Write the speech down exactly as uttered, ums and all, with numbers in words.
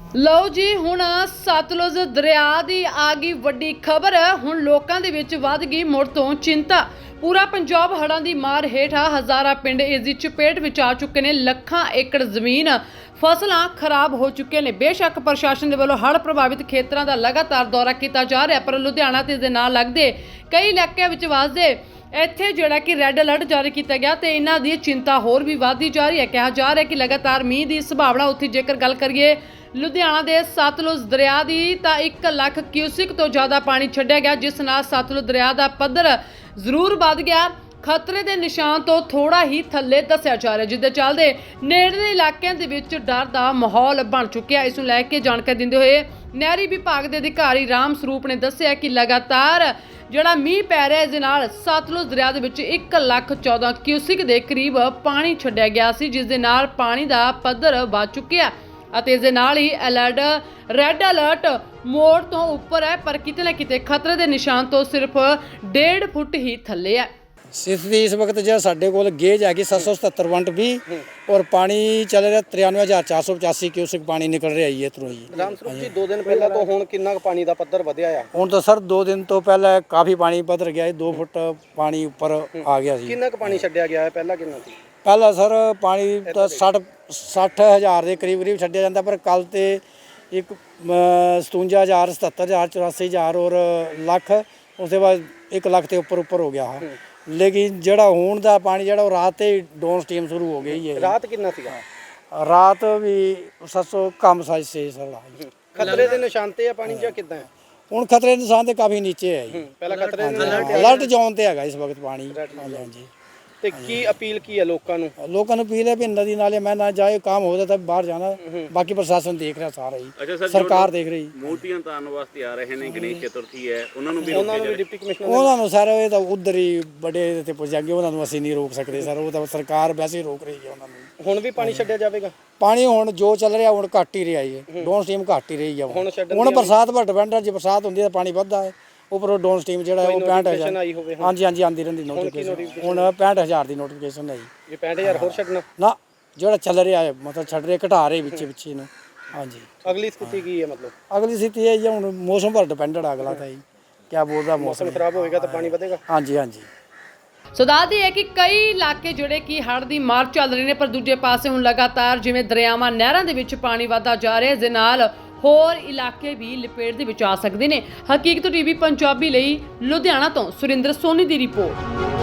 ਲਓ ਜੀ, ਹੁਣ ਸਤਲੁਜ ਦਰਿਆ ਦੀ ਆ ਗਈ ਵੱਡੀ ਖਬਰ। ਹੁਣ ਲੋਕਾਂ ਦੇ ਵਿੱਚ ਵੱਧ ਗਈ ਮੁੜ ਤੋਂ ਚਿੰਤਾ। ਪੂਰਾ ਪੰਜਾਬ ਹੜ੍ਹਾਂ ਦੀ ਮਾਰ ਹੇਠ ਆ। ਹਜ਼ਾਰਾਂ ਪਿੰਡ ਇਸ ਦੀ ਚਪੇਟ ਵਿੱਚ ਆ ਚੁੱਕੇ ਨੇ। ਲੱਖਾਂ ਏਕੜ ਜ਼ਮੀਨ, ਫਸਲਾਂ ਖਰਾਬ ਹੋ ਚੁੱਕੀਆਂ ਨੇ। ਬੇਸ਼ੱਕ ਪ੍ਰਸ਼ਾਸਨ ਦੇ ਵੱਲੋਂ ਹੜ੍ਹ ਪ੍ਰਭਾਵਿਤ ਖੇਤਰਾਂ ਦਾ ਲਗਾਤਾਰ ਦੌਰਾ ਕੀਤਾ ਜਾ ਰਿਹਾ, ਪਰ ਲੁਧਿਆਣਾ ਤੇ ਇਸ ਦੇ ਨਾਲ ਲੱਗਦੇ ਕਈ ਇਲਾਕਿਆਂ ਵਿੱਚ ਵੱਸਦੇ ਇੱਥੇ ਜਿਹੜਾ ਕਿ ਰੈੱਡ ਅਲਰਟ ਜਾਰੀ ਕੀਤਾ ਗਿਆ ਤੇ ਇਹਨਾਂ ਦੀ ਚਿੰਤਾ ਹੋਰ ਵੀ ਵਧਦੀ ਜਾ ਰਹੀ ਹੈ। ਕਿਹਾ ਜਾ ਰਿਹਾ ਕਿ ਲਗਾਤਾਰ ਮੀਂਹ ਦੀ ਸੰਭਾਵਨਾ। ਉੱਥੇ ਜੇਕਰ ਗੱਲ ਕਰੀਏ ਲੁਧਿਆਣਾ ਦੇ ਸਤਲੁਜ ਦਰਿਆ ਦੀ, ਤਾਂ ਇੱਕ ਲੱਖ ਕਿਊਸਿਕ ਤੋਂ ਜ਼ਿਆਦਾ ਪਾਣੀ ਛੱਡਿਆ ਗਿਆ, ਜਿਸ ਨਾਲ ਸਤਲੁਜ ਦਰਿਆ ਦਾ ਪੱਧਰ ਜ਼ਰੂਰ ਵੱਧ ਗਿਆ। ਖਤਰੇ ਦੇ ਨਿਸ਼ਾਨ ਤੋਂ ਥੋੜਾ ਹੀ ਥੱਲੇ ਦੱਸਿਆ ਜਾ ਰਿਹਾ, ਜਿਸ ਦੇ ਚੱਲਦੇ ਨੇੜਲੇ ਇਲਾਕਿਆਂ ਦੇ ਵਿੱਚ ਡਰ ਦਾ ਮਾਹੌਲ ਬਣ ਚੁੱਕਿਆ। ਇਸ ਨੂੰ ਲੈ ਕੇ ਜਾਣਕਾਰੀ ਦਿੰਦੇ ਹੋਏ ਨਹਿਰੀ ਵਿਭਾਗ ਦੇ ਅਧਿਕਾਰੀ ਰਾਮ ਸਰੂਪ ਨੇ ਦੱਸਿਆ ਕਿ ਲਗਾਤਾਰ ਜਿਹੜਾ ਮੀਂਹ ਪੈ ਰਿਹਾ, ਇਸ ਦੇ ਨਾਲ ਸਤਲੁਜ ਦਰਿਆ ਦੇ ਵਿੱਚ ਇੱਕ ਲੱਖ ਚੌਦਾਂ ਕਿਊਸਿਕ ਦੇ ਕਰੀਬ ਪਾਣੀ ਛੱਡਿਆ ਗਿਆ ਸੀ, ਜਿਸ ਦੇ ਨਾਲ ਪਾਣੀ ਦਾ ਪੱਧਰ ਵੱਧ ਚੁੱਕਿਆ ਅਤੇ ਇਸ ਦੇ ਨਾਲ ਹੀ ਅਲਰਟ ਰੈੱਡ ਅਲਰਟ ਮੋਡ ਤੋਂ ਉੱਪਰ ਹੈ, ਪਰ ਕਿਤੇ ਨਾ ਕਿਤੇ ਖਤਰੇ ਦੇ ਨਿਸ਼ਾਨ ਤੋਂ ਸਿਰਫ ਡੇਢ ਫੁੱਟ ਹੀ ਥੱਲੇ ਹੈ। स्थिति इस वक्त जो साढ़े को गेज हैगी सत्त सौ सतहत्तर वंट भी और पानी चल रहा तिरानवे हज़ार चार सौ पचासी क्यूसिक पानी निकल रहा है इधरों ही। ਰਾਮ ਸਰੂਪ ਜੀ, ਦੋ ਦਿਨ ਪਹਿਲਾਂ ਤੋਂ ਹੁਣ ਕਿੰਨਾ ਕੁ ਪਾਣੀ ਦਾ ਪੱਧਰ ਵਧਿਆ ਆ? ਹੁਣ तो सर दो दिन तो पहले काफ़ी पानी पधर गया है, दो फुट पानी ऊपर आ गया सी। ਕਿੰਨਾ ਕੁ ਪਾਣੀ ਛੱਡਿਆ ਗਿਆ ਹੈ? ਪਹਿਲਾਂ ਕਿੰਨਾ ਸੀ? पहला सर पानी तो सठ सठ हज़ार के करीब करीब छड्या जाता, पर कल तो एक सतवंजा हज़ार सतहत्तर हज़ार चौरासी हज़ार और लख, उसके बाद एक लख के उपर उपर हो गया है। लेकिन ਜਿਹੜਾ ਹੁਣ ਦਾ ਪਾਣੀ ਜਿਹੜਾ ਉਹ ਰਾਤ ਤੇ ਡਾਊਨ ਸਟ੍ਰੀਮ ਸ਼ੁਰੂ ਹੋ ਗਈ ਹੈ। ਰਾਤ ਕਿੰਨਾ ਸੀਗਾ? ਰਾਤ ਵੀ ਸੱਤ ਸੌ ਕਮ ਸਾਈਜ਼ ਸੀ ਸਰ। ਖਤਰੇ ਦੇ ਨਿਸ਼ਾਨ ਤੇ ਆ ਪਾਣੀ ਜਾਂ ਕਿੱਦਾਂ ਹੈ? ਹੁਣ ਖਤਰੇ ਦੇ ਨਿਸ਼ਾਨ ਤੇ ਕਾਫੀ ਨੀਚੇ ਹੈ ਜੀ। ਪਹਿਲਾਂ ਖਤਰੇ ਦੇ ਨਿਸ਼ਾਨ ਤੇ ਅਲਰਟ ਜ਼ੋਨ ਤੇ ਹੈਗਾ ਇਸ ਵਕਤ ਪਾਣੀ। ਹਾਂਜੀ। ਤੇ ਕੀ ਅਪੀਲ ਕੀ ਹੈ ਲੋਕਾਂ ਨੂੰ? ਲੋਕਾਂ ਨੂੰ ਅਪੀਲ ਹੈ ਵੀ ਨਦੀ ਨਾਲੇ ਮੈਂ ਨਾ ਜਾਏ, ਕੰਮ ਹੋ ਜਾता ਬਾਹਰ ਜਾਣਾ। ਬਾਕੀ ਪ੍ਰਸ਼ਾਸਨ ਦੇਖ ਰਿਹਾ ਸਾਰਾ ਹੀ, ਸਰਕਾਰ ਦੇਖ ਰਹੀ। ਮੂਰਤੀਆਂ ਤਾਰਨ ਵਾਸਤੇ ਆ ਰਹੇ ਨੇ, ਗਣੇਸ਼ ਚਤੁਰਥੀ ਹੈ, ਉਹਨਾਂ ਨੂੰ ਵੀ ਉਹਨਾਂ ਨੂੰ ਵੀ ਡਿਪਟੀ ਕਮਿਸ਼ਨਰ ਉਹਨਾਂ ਨੂੰ ਸਰ ਇਹ ਤਾਂ ਉਧਰ ਹੀ ਬੜੇ ਤੇ ਪੁੱਜ ਜਾਗੇ, ਉਹਨਾਂ ਨੂੰ ਅਸੀਂ ਨਹੀਂ ਰੋਕ ਸਕਦੇ ਸਰ, ਉਹ ਤਾਂ ਸਰਕਾਰ ਵੈਸੇ ਹੀ ਰੋਕ ਰਹੀ ਹੈ ਉਹਨਾਂ ਨੂੰ। ਹੁਣ ਵੀ ਪਾਣੀ ਛੱਡਿਆ ਜਾਵੇਗਾ? ਪਾਣੀ ਹੁਣ ਜੋ ਚੱਲ ਰਿਹਾ ਹੁਣ ਘੱਟ ਹੀ ਰਿਹਾ ਹੈ, ਡਾਊਨ ਸਟ੍ਰੀਮ ਘੱਟ ਹੀ ਰਹੀ ਹੈ ਹੁਣ ਛੱਡਣ ਹੁਣ ਬਰਸਾਤ ਪਰ ਡਿਪੈਂਡ ਹੈ। ਜੇ ਬਰਸਾਤ ਹੁੰਦੀ ਤਾਂ ਪਾਣੀ ਵੱਧਦਾ ਹੈ, ਉੱਪਰੋਂ ਡਾਊਨ ਸਟ੍ਰੀਮ ਜਿਹੜਾ ਉਹ ਪੈਂਹਠ ਹਜ਼ਾਰ ਆਈ ਹੋਵੇ। ਹਾਂਜੀ ਹਾਂਜੀ ਆਉਂਦੀ ਰਹਿੰਦੀ ਨੋਟੀਫਿਕੇਸ਼ਨ। ਹੁਣ ਪੈਂਹਠ ਹਜ਼ਾਰ ਦੀ ਨੋਟੀਫਿਕੇਸ਼ਨ ਹੈ ਜੀ। ਇਹ ਪੈਂਹਠ ਹਜ਼ਾਰ ਹੋਰ ਛੱਡਣਾ ਨਾ ਜਿਹੜਾ ਚੱਲ ਰਿਹਾ ਹੈ ਮਤਲਬ ਛੱਡ ਰਹੇ ਘਟਾ ਰਹੇ ਵਿੱਚੇ ਵਿੱਚੇ ਨੂੰ। ਹਾਂਜੀ। ਅਗਲੀ ਸਥਿਤੀ ਕੀ ਹੈ? ਮਤਲਬ ਅਗਲੀ ਸਥਿਤੀ ਇਹ ਹੈ ਹੁਣ ਮੌਸਮ ਪਰ ਡਿਪੈਂਡਡ ਅਗਲਾ ਤਾਂ ਜੀ ਕਿਆ ਬੋਲਦਾ ਮੌਸਮ ਮੌਸਮ ਖਰਾਬ ਹੋਏਗਾ ਤਾਂ ਪਾਣੀ ਵਧੇਗਾ। ਹਾਂਜੀ ਹਾਂਜੀ। ਸੋ ਦੱਸਦੀ ਹੈ ਕਿ ਕਈ ਇਲਾਕੇ ਜਿਹੜੇ ਕਿ ਹੜ੍ਹ ਦੀ ਮਾਰ ਚੱਲ ਰਹੇ ਨੇ, ਪਰ ਦੂਜੇ ਪਾਸੇ ਹੁਣ ਲਗਾਤਾਰ ਜਿਵੇਂ ਦਰਿਆਵਾਂ ਨਹਿਰਾਂ ਦੇ ਵਿੱਚ ਪਾਣੀ ਵਧਦਾ ਜਾ ਰਿਹਾ, ਇਸ ਦੇ ਨਾਲ ਹੋਰ ਇਲਾਕੇ ਵੀ ਲਪੇਟ ਦੇ ਵਿੱਚ ਆ ਸਕਦੇ ਨੇ। ਹਕੀਕਤ ਟੀਵੀ ਪੰਜਾਬੀ ਲਈ ਲੁਧਿਆਣਾ ਤੋਂ ਸੁਰਿੰਦਰ ਸੋਨੀ ਦੀ ਰਿਪੋਰਟ।